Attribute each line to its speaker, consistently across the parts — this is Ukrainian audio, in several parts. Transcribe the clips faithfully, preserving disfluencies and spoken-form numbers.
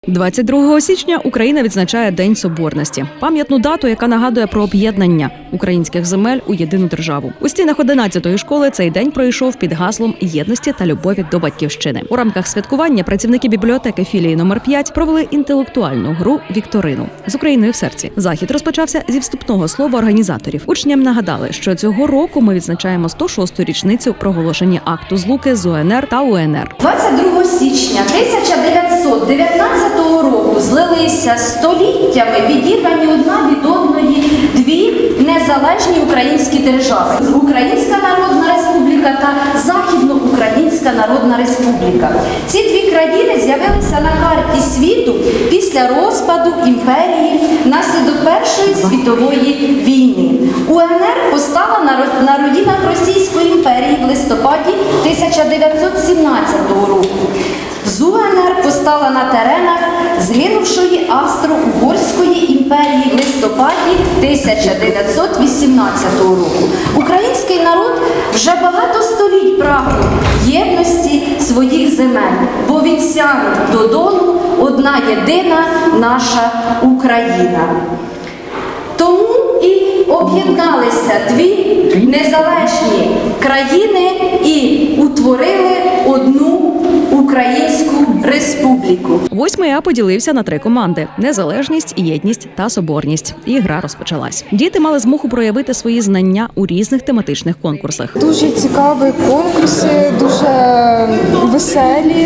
Speaker 1: двадцять другого січня Україна відзначає День Соборності – пам'ятну дату, яка нагадує про об'єднання українських земель у єдину державу. У стінах одинадцятої школи цей день пройшов під гаслом єдності та любові до батьківщини. У рамках святкування працівники бібліотеки філії номер п'ять провели інтелектуальну гру «Вікторину» з Україною в серці. Захід розпочався зі вступного слова організаторів. Учням нагадали, що цього року ми відзначаємо сто шосту річницю проголошення акту злуки з УНР та УНР.
Speaker 2: двадцять другого січня тисяча дев'ятсот дев'ятнадцятого року злилися століттями відірвані одна від одної дві незалежні українські держави – Українська Народна Республіка та Західноукраїнська Народна Республіка. Ці дві країни з'явилися на карті світу після розпаду імперії внаслідок Першої світової війни. УНР постала на руїнах Російської імперії в листопаді тисяча дев'ятсот сімнадцятого року. З УНР постала на теренах згинувшої Австро-Угорської імперії в листопаді тисяча дев'ятсот вісімнадцятого року. Український народ вже багато століть прагнув єдності своїх земель, бо від Сяну до Дону одна єдина наша Україна. Тому і об'єдналися дві незалежні країни і утворили одну Українську Республіку.
Speaker 1: Восьмий А поділився на три команди – незалежність, єдність та соборність. І гра розпочалась. Діти мали змогу проявити свої знання у різних тематичних конкурсах.
Speaker 3: Дуже цікаві конкурси, дуже веселі.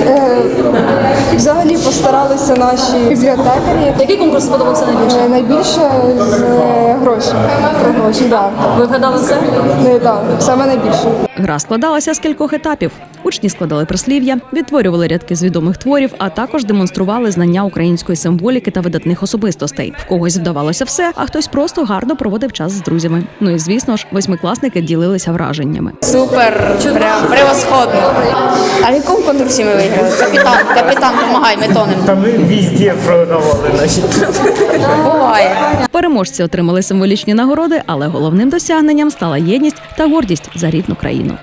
Speaker 3: Взагалі постаралися наші бібліотекарі.
Speaker 4: Який конкурс сподобався найбільше?
Speaker 3: Найбільше з грошей. Про гроші, так.
Speaker 4: Ви вгадали все?
Speaker 3: Не, так, саме найбільше.
Speaker 1: Гра складалася з кількох етапів. Учні складали прислів'я, відтворювали рядки з відомих творів, а також демонстрували знання української символіки та видатних особистостей. В когось вдавалося все, а хтось просто гарно проводив час з друзями. Ну і, звісно ж, восьмикласники ділилися враженнями.
Speaker 5: Супер, прям превосходно. А в якому конкурсі ми виграли? Капітан, капітан, помагай, ми тонемо.
Speaker 6: Та ми везде програвали наші.
Speaker 5: Буває.
Speaker 1: Переможці отримали символічні нагороди, але головним досягненням стала єдність та гордість за рідну країну.